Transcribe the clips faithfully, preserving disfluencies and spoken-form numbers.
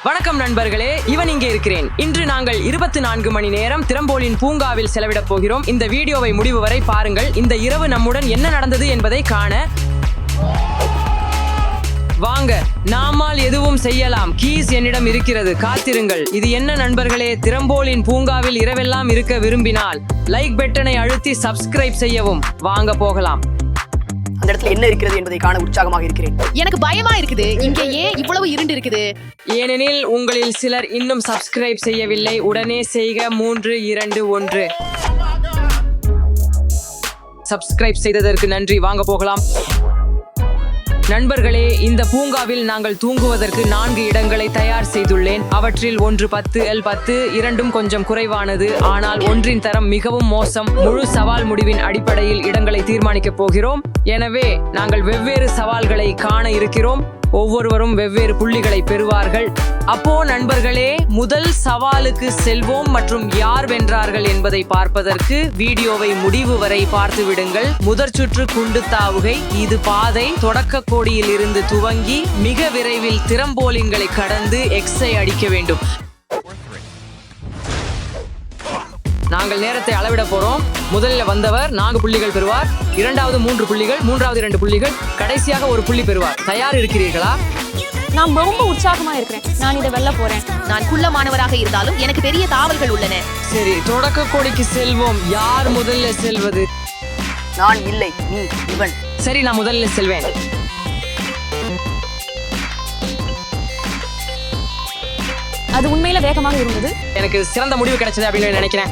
வணக்கம் நண்பர்களே, இவன் இங்கே இருக்கிறேன். இன்று நாங்கள் இருபத்தி நான்கு மணி நேரம் திறம்போலின் பூங்காவில் செலவிடப் போகிறோம். இந்த வீடியோவை முடிவு வரை பாருங்கள். இந்த இரவு நம்முடன் என்ன நடந்தது என்பதை காண வாங்க. நாமால் எதுவும் செய்யலாம். கீஸ் என்னிடம் இருக்கிறது, காத்திருங்கள். இது என்ன நண்பர்களே, திறம்போலின் பூங்காவில் இரவெல்லாம் இருக்க விரும்பினால் லைக் பட்டனை அழுத்தி சப்ஸ்கிரைப் செய்யவும். வாங்க போகலாம். அந்த இடத்துல என்ன இருக்கிறது என்பதை காண உற்சாகமாக இருக்கிறேன். எனக்கு பயமா இருக்குது. இங்க ஏன் இவ்வளவு இருண்டு இருக்குது? ஏனெனில் உங்களில் சிலர் இன்னும் சப்ஸ்கிரைப் செய்யவில்லை. உடனே செய்க. மூன்று இரண்டு ஒன்று. சப்ஸ்கிரைப் செய்ததற்கு நன்றி. வாங்க போகலாம். நண்பர்களே, இந்த பூங்காவில் நாங்கள் தூங்குவதற்கு நான்கு இடங்களை தயார் செய்துள்ளேன். அவற்றில் ஒன்று பத்து எல் பத்து, இரண்டும் கொஞ்சம் குறைவானது. ஆனால் ஒன்றின் தரம் மிகவும் மோசம். முழு சவால் முடிவின் அடிப்படையில் இடங்களை தீர்மானிக்கப் போகிறோம். எனவே நாங்கள் வெவ்வேறு சவால்களை காண இருக்கிறோம். ஒவ்வொருவரும் வெவ்வேறு புள்ளிகளை பெறுவார்கள். அப்போ நண்பர்களே, முதல் சவாலுக்கு செல்வோம் மற்றும் யார் வென்றார்கள் என்பதை பார்ப்பதற்கு வீடியோவை முடிவு வரை பார்த்து விடுங்கள். முதற் சுற்று குண்டு தாவுகை. இது பாதை தொடக்க கோடியில் இருந்து துவங்கி மிக விரைவில் திறம்போலின்களை கடந்து எக்ஸை அடிக்க வேண்டும். நாங்கள் நேரத்தை அளவிட போறோம். முதலில் வந்தவர் நான்கு புள்ளிகள் பெறுவார். இரண்டாவது மூன்று புள்ளிகள், மூன்றாவது இரண்டு புள்ளிகள், கடைசியாக ஒரு புள்ளி பெறுவார். தயார் இருக்கிறீர்களா? நான் ரொம்ப உற்சாகமா இருக்கிறேன். நான் இதை வெல்ல போறேன். நான் குள்ளமானவராக இருந்தாலும் எனக்கு பெரிய தாவல்கள் உள்ளன. சரி, தொடக்க கோடிக்கு செல்வோம். யார் முதல்ல செல்வது? நான் இல்லை, நீ. இவன். சரி, நான் முதல்ல செல்வேன். அது உண்மையில வேகமாக இருந்தது. எனக்கு சிறந்த முடிவு கிடைச்சது அப்படின்னு நினைக்கிறேன்.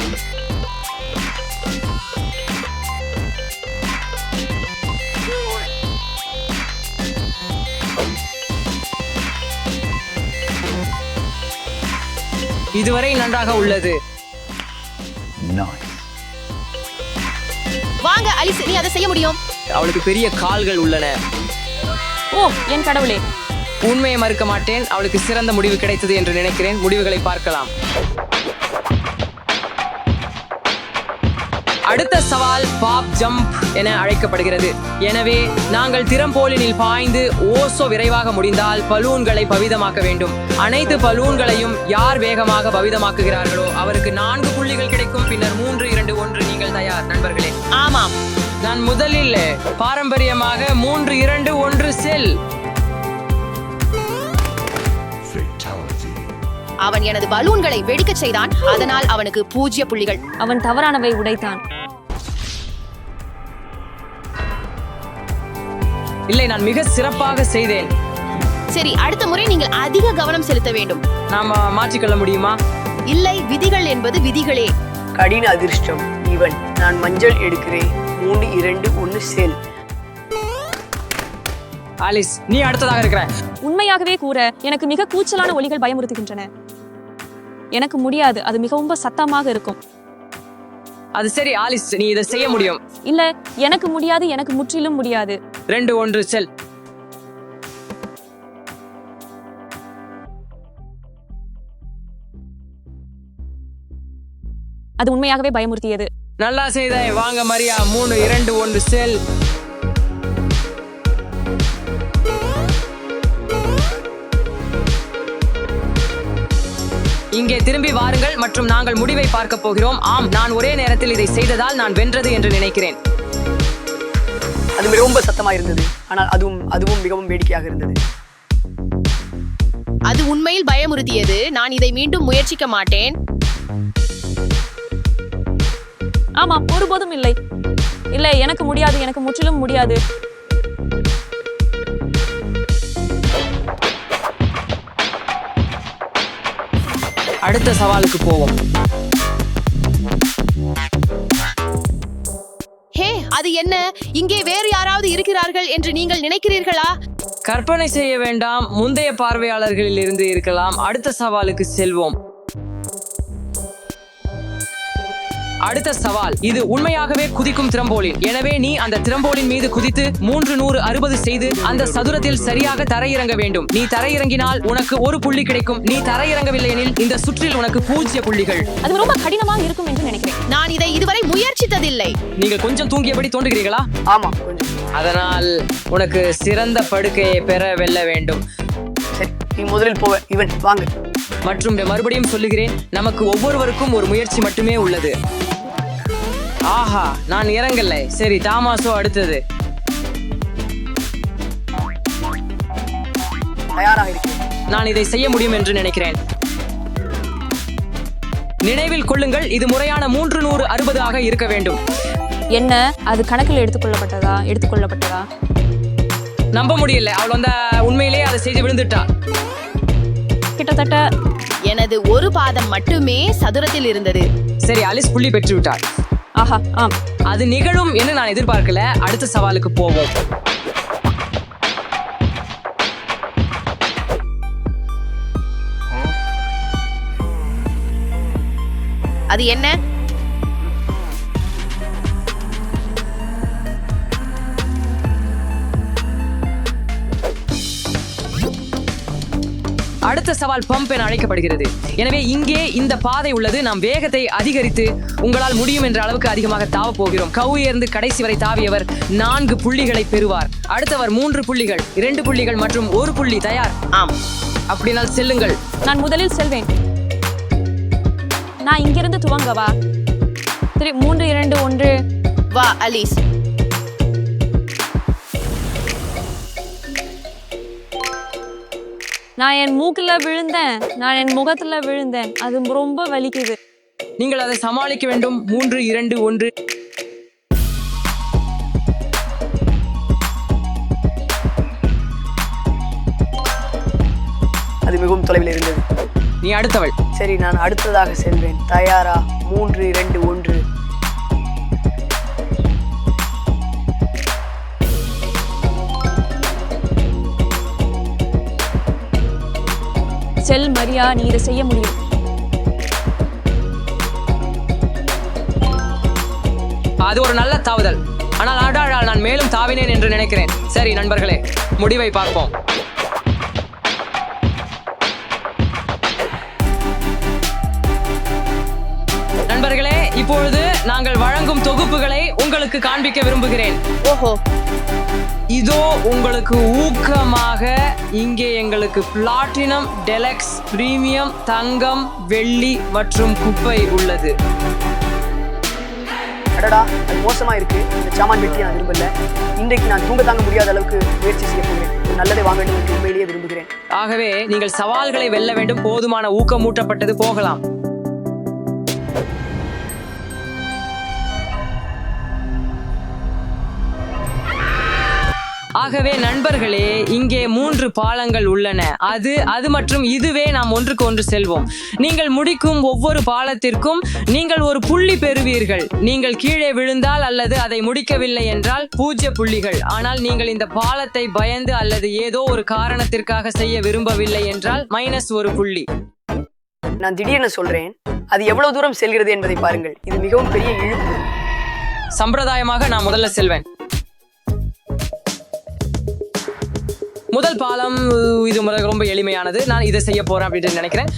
இதுவரை நன்றாக உள்ளது. வாங்க அலிஸ், நீ அதை செய்ய முடியும். அவளுக்கு பெரிய கால்கள் உள்ளன. ஓ என் கடவுளே. உண்மையை மறுக்க மாட்டேன். அவளுக்கு சிறந்த முடிவு கிடைத்தது என்று நினைக்கிறேன். முடிவுகளை பார்க்கலாம். அடுத்த சவால் பாப் ஜம்ப் என அழைக்கப்படுகிறது. எனவே நாங்கள் திறம்போலினில் பாய்ந்து ஓசோ விரைவாக முடிந்தால் பலூன்களை பவிதமாக்க வேண்டும். அனைத்து பலூன்களையும் யார் வேகமாக பவிதமாக்குகிறார்களோ அவருக்கு நான்கு புள்ளிகள் கிடைக்கும். பின்னர் மூன்று இரண்டு ஒன்று. நீங்கள் தயார் நண்பர்களே? ஆமாம். நான் முதலில் பாரம்பரியமாக மூன்று இரண்டு ஒன்று செல். அவன் எனது பலூன்களை வெடிக்க செய்தான். அதனால் அவனுக்கு பூஜ்ய புள்ளிகள். அவன் தவறானவை உடைத்தான். இல்லை, நான் மிக சிறப்பாக செய்தேன். சரி, அடுத்த முறை நீங்கள் அதிக கவனம் செலுத்த வேண்டும். நாம மாற்றிக்கொள்ள முடியுமா? இல்லை, விதிகள் என்பது விதிகளே. கடின அதிர்ஷ்டம். இவன். நான் மஞ்சள் எடுக்கிறேன். மூன்று இரண்டு ஒன்று செல். ஆலிஸ், நீ அடுத்ததாக இருக்கிற. உண்மையாகவே கூற எனக்கு மிக கூச்சலான ஒலிகள் பயமுறுத்துகின்றன. எனக்கு முடியாது. அது மிகவும் சத்தமாக இருக்கும். அது சரி ஆலிஸ், நீ இதை செய்ய முடியும். இல்ல, எனக்கு முடியாது. எனக்கு முற்றிலும் முடியாது. ரெண்டு ஒன்று செல். அது உண்மையாகவே பயமுறுத்தியது. நல்லா செய்தாய். வாங்க மரியா. மூணு இரண்டு ஒன்று செல். இங்கே திரும்பி வாருங்கள் மற்றும் நாங்கள் முடிவை பார்க்க போகிறோம். ஆம், நான் ஒரே நேரத்தில் இதை செய்ததால் நான் வென்றது என்று நினைக்கிறேன். அது மிகவும் சத்தமாக இருந்தது. ஆனால் அதுவும் அதுவும் மிகவும் வேடிக்கையாக இருந்தது. அது உண்மையில் பயமுறுத்தியது. நான் இதை மீண்டும் முயற்சிக்க மாட்டேன். ஆமாம், ஒருபோதும் இல்லை. இல்லை, எனக்கு முடியாது. எனக்கு முற்றிலும் முடியாது. அடுத்த சவாலுக்கு போவோம். ஹே, அது என்ன? இங்கே வேறு யாராவது இருக்கிறார்கள் என்று நீங்கள் நினைக்கிறீர்களா? கற்பனை செய்ய வேண்டாம். முந்தைய பார்வையாளர்களில் இருந்து இருக்கலாம். அடுத்த சவாலுக்கு செல்வோம். அடுத்த சவால். இது உண்மையாகவே குதிக்கும் திறம்போலின். எனவே நீ அந்த திறம்போலின் மீது குதித்து மூன்று நூறு அறுபது செய்து அந்த சதுரத்தில் சரியாக தரையிறங்க வேண்டும். நீ தரையிறங்கினால் உனக்கு ஒரு புள்ளி கிடைக்கும். நீ தரையிறங்கவில்லை எனில் இந்த சுற்றில் உனக்கு பூஜ்ய புள்ளிகள். அது ரொம்ப கடினமாக இருக்கும் என்று நினைக்கிறேன். நான் இதை இதுவரை முயற்சித்ததில்லை. நீங்கள் கொஞ்சம் தூங்கியபடி தோன்றுகிறீர்களா? ஆமா, கொஞ்சம். அதனால் உனக்கு சிறந்த படுக்கையை பெற வெல்ல வேண்டும். சரி, நீ முதலில் போவ. இவன் வாங்க. மற்றும் மறுபடியும் சொல்லுகிறேன், நமக்கு ஒவ்வொருவருக்கும் ஒரு முயற்சி மட்டுமே உள்ளது. ஆஹா, நான் இறங்கல. சரி, தாமாசோ அடுத்தது. தயாராக இருக்கிறேன். நான் இதை செய்ய முடியும் என்று நினைக்கிறேன். நினைவில் கொள்ளுங்கள், இது முறையான மூன்று நூறு அறுபது ஆக இருக்க வேண்டும். என்ன அது கணக்கில் எடுத்துக்கொள்ளப்பட்டதா எடுத்துக்கொள்ளப்பட்டதா நம்ப முடியல. அவள் வந்து உண்மையிலேயே அதை செய்து விழுந்துட்டா. கிட்டத்தட்ட எனது ஒரு பாதம் மட்டுமே சதுரத்தில் இருந்தது. சரி, அலிஸ் புள்ளி பெற்று விட்டாள். ஆஹா ஆம் அது நிகழும் என்று நான் எதிர்பார்க்கல. அடுத்த சவாலுக்கு போவோம். அது என்ன? அடுத்த சவால் பம்ப் என அழைக்கப்படுகிறது. எனவே இங்கே இந்த பாதை உள்ளது. நாம் வேகத்தை அதிகரித்து உங்களால் முடியும் என்ற அளவுக்கு அதிகமாக தாவ போகிறோம். கவுயர்ந்து கடைசி வரை தாவியவர் நான்கு புள்ளிகளை பெறுவார். அடுத்தவர் மூன்று புள்ளிகள், இரண்டு புள்ளிகள் மற்றும் ஒரு புள்ளி. தயார்? ஆம். அப்படினால் செல்லுங்கள். நான் முதலில் செல்வேன். நான் இங்கிருந்து துவங்கவா? சரி, மூன்று இரண்டு ஒன்று. வா அலிஸ். நான் என் மூக்குல விழுந்தேன். நான் என் முகத்துல விழுந்தேன். அது ரொம்ப வலிக்குது. நீங்கள் அதை சமாளிக்க வேண்டும். மூன்று இரண்டு ஒன்று. அது மிகவும் தொலைவில் இருந்தது. நீ அடுத்தவள். சரி, நான் அடுத்ததாக செல்வேன். தயாரா? மூன்று இரண்டு ஒன்று. செல் மரியா, நீ இதை செய்ய முடியும். அது ஒரு நல்ல தாவுதல். ஆனால் ஆடாடால் நான் மேலும் தாவினேன் என்று நினைக்கிறேன். சரி நண்பர்களே, முடிவை பார்ப்போம். நண்பர்களே, இப்பொழுது நாங்கள் வழங்கும் தொகுப்புகளை உங்களுக்கு காண்பிக்க விரும்புகிறேன். ஓஹோ, இதோ உங்களுக்கு ஊக்கமாக இங்கே எங்களுக்கு பிளாட்டினம், டெலக்ஸ், பிரீமியம், தங்கம், வெள்ளி மற்றும் குப்பை உள்ளது. அடடா, அது மோசமா இருக்கு. இந்த சாமான் வெட்டி நான் விரும்பல. இன்றைக்கு நான் தூங்க தாங்க முடியாத அளவுக்கு முயற்சி செய்ய போகிறேன். ஒரு நல்லதை வாங்க வேண்டும் என்று உண்மையிலேயே விரும்புகிறேன். ஆகவே நீங்கள் சவால்களை வெல்ல வேண்டும். போதுமான ஊக்கமூட்டப்பட்டது. போகலாம். ஆகவே நண்பர்களே, இங்கே மூன்று பாலங்கள் உள்ளன. அது அது மற்றும் இதுவே நாம் ஒன்றுக்கு ஒன்று செல்வோம். நீங்கள் முடிக்கும் ஒவ்வொரு பாலத்திற்கும் நீங்கள் ஒரு புள்ளி பெறுவீர்கள். நீங்கள் கீழே விழுந்தால் அல்லது அதை முடிக்கவில்லை என்றால் பூஜ்ய புள்ளிகள். ஆனால் நீங்கள் இந்த பாலத்தை பயந்து அல்லது ஏதோ ஒரு காரணத்திற்காக செய்ய விரும்பவில்லை என்றால் மைனஸ் ஒரு புள்ளி. நான் திடீர்னு சொல்றேன், அது எவ்வளவு தூரம் செல்கிறது என்பதை பாருங்கள். இது மிகவும் பெரிய இழுப்பு. சம்பிரதாயமாக நான் முதல்ல செல்வேன். முதல் பாலம் இது ரொம்ப எளிமையானது. நான் இதை செய்ய போறேன் அப்படின்னு நினைக்கிறேன்.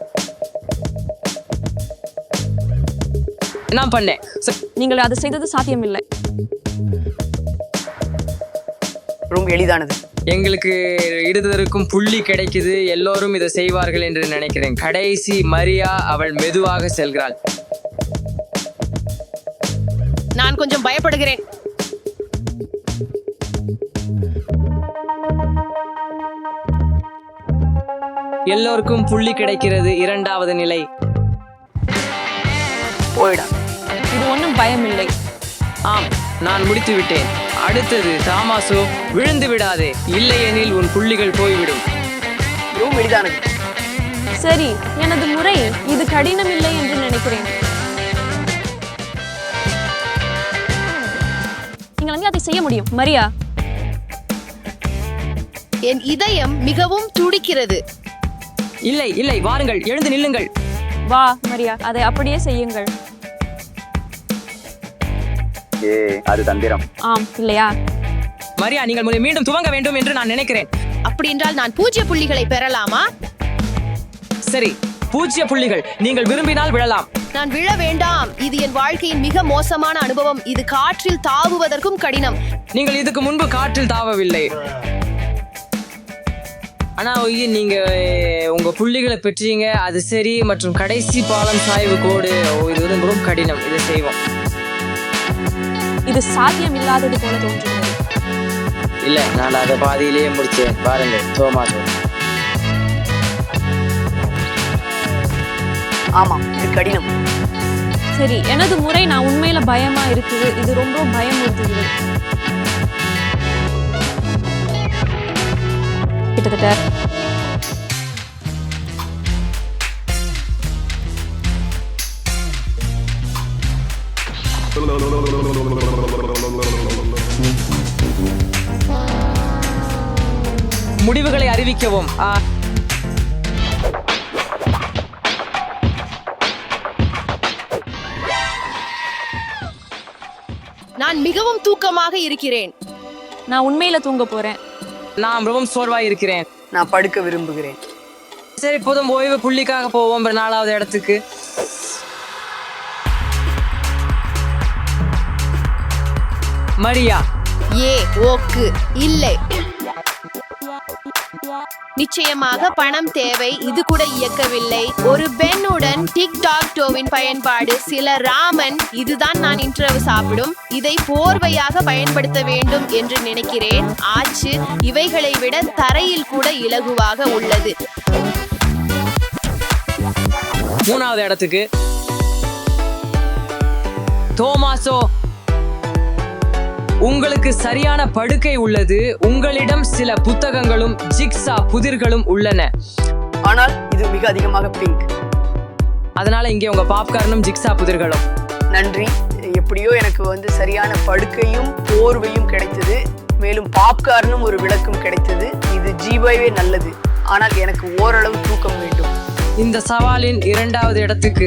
நான் பண்ணேன். நீங்கள் அதை செய்தது சாத்தியமில்லை. ரொம்ப எளிதானது. எங்களுக்கு இடுதற்கும் புள்ளி கிடைக்குது. எல்லோரும் இதை செய்வார்கள் என்று நினைக்கிறேன். கடைசி மரியா, அவள் மெதுவாக செல்கிறாள். நான் கொஞ்சம் பயப்படுகிறேன். எல்லோருக்கும் புள்ளி கிடைக்கிறது. இரண்டாவது நிலை. போயிடா. இது ஒன்றும் பயமில்லை. ஆம், நான் முடித்து விட்டேன். அடுத்தது தாமாசோ, விழுந்து விடாதே, இல்லையெனில் உன் புள்ளிகள் போய்விடும். மிகவும் எளிதானது. சரி, எனது முறை. இது கடினம் இல்லை என்று நினைக்கிறேன். நீங்கள் வந்து அதை செய்ய முடியும் மரியா. என் இதயம் மிகவும் துடிக்கிறது. இல்லை இல்லை, வாருங்கள், எழுந்து நில்லுங்கள். வா மரியா, அதை அப்படியே செய்யுங்கள். ஏ, அது தந்திரம். ஆம், இல்லையா? மரியா, நீங்கள் முதலில் மீண்டும் துவங்க வேண்டும் என்று நான் நினைக்கிறேன். அப்படி என்றால் நான் பூஜ்ய புள்ளிகளை பெறலாமா? சரி, பூஜ்ய புள்ளிகள். நீங்கள் விரும்பினால் விழலாம். நான் விழ வேண்டாம். இது என் வாழ்க்கையின் மிக மோசமான அனுபவம். இது காற்றில் தாவுவதற்கும் கடினம். நீங்கள் இதுக்கு முன்பு காற்றில் தாவவில்லை. ஆனா ஒய்யி நீங்க உங்க புள்ளிகளை பெற்றீங்க, அது சரி. மற்றும் கடைசி பாலம் சாய்வு கோடு, ஓ, இது வந்து ரொம்ப கடினம். இதை செய்வோம். இது சாத்தியம் இல்லாதது போல தோன்றுகிறது. இல்ல, நான் அதை பாதியிலேயே முடிச்சேன். பாருங்க தோமாஸ். ஆமாம், இது கடினம். சரி, எனது முறை. நான் உண்மையில பயமா இருக்குது. இது ரொம்ப பயமுறுத்துகிறது. கிட்டத்தட்ட முடிவுகளை அறிவிக்கவும். ஆ, நான் மிகவும் தூக்கமாக இருக்கிறேன். நான் உண்மையில தூங்க போறேன். நான் மிகவும் சோர்வாய் இருக்கிறேன். நான் படுக்க விரும்புகிறேன். சரி, இப்போதும் ஓய்வு புள்ளிக்காக போவோம் நாலாவது இடத்துக்கு. மரியா. ஏ ஓக்கு இல்லை. நிச்சயமாக பணம் தேவை. இது கூட இயக்கவில்லை. ஒரு பெண்ணுடன் டிக்டாக் டோவின் பயன்பாடு. சில ராமன். இதுதான் நான் இன்றிரவு சாப்பிடும். இதை போர்வையாக பயன்படுத்த வேண்டும் என்று நினைக்கிறேன். ஆச்சு. இவைகளை விட தரையில் கூட இலகுவாக உள்ளது. மூணாவது இடத்துக்கு தோமாசோ. உங்களுக்கு சரியான படுக்கை உள்ளது. உங்களிடம் சில புத்தகங்களும் ஜிக்ஸா புதிர்களும் உள்ளன. ஆனால் இது மிக அதிகமாக பிங்க். அதனால இங்கே உங்க பாப்கார்னும் ஜிக்ஸா புதிர்களும். நன்றி. எப்படியோ எனக்கு வந்து சரியான படுக்கையும் போர்வையும் கிடைத்தது. மேலும் பாப்கார்னும் ஒரு விளக்கும் கிடைத்தது. இது ஜீவாவே நல்லது. ஆனால் எனக்கு ஓரளவு தூக்கம் வேண்டும். இந்த சவாலின் இரண்டாவது இடத்துக்கு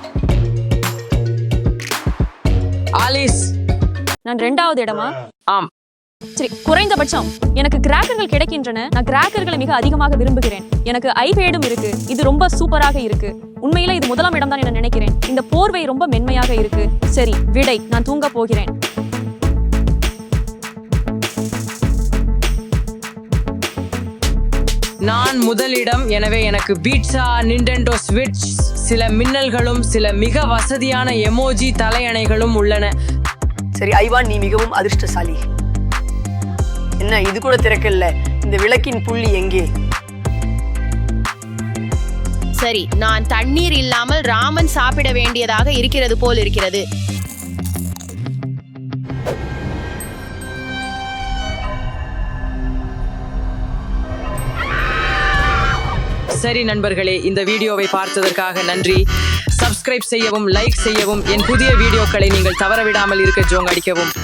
ஆலிஸ். நான் ரெண்டாவது இடமா? ஆம். சரி, குறைந்தபட்சம் எனக்கு கிராக்கர்கள் கிடைக்கின்றன. நான் கிராக்கர்களை மிக அதிகமாக விரும்புகிறேன். எனக்கு ஐபேடும் இருக்கு. இது ரொம்ப சூப்பராக இருக்கு. உண்மையில இது முதலாம் இடம் தான் என நினைக்கிறேன். இந்த போர்வை ரொம்ப மென்மையாக இருக்கு. சரி, விடை. நான் தூங்க போகிறேன். நான் முதலிடம். எனவே எனக்கு பீட்சா, நிண்டெண்டோ ஸ்விட்ச், சில மின்னல்களும் சில மிக வசதியான எமோஜி தலையணைகளும் உள்ளன. சரி ஐவான், நீ மிகவும் அதிர்ஷ்டசாலி. என்ன, இது கூட திறக்கல. இந்த விளக்கின் புள்ளி எங்கே? சரி, நான் தண்ணீர் இல்லாமல் ராமன் சாப்பிட வேண்டியதாக இருக்கிறது போல் இருக்கிறது. சரி நண்பர்களே, இந்த வீடியோவை பார்த்ததற்காக நன்றி. சப்ஸ்கிரைப் செய்யவும், லைக் செய்யவும், என் புதிய வீடியோக்களை நீங்கள் தவறவிடாமல் இருக்க ஜோங் அடிக்கவும்.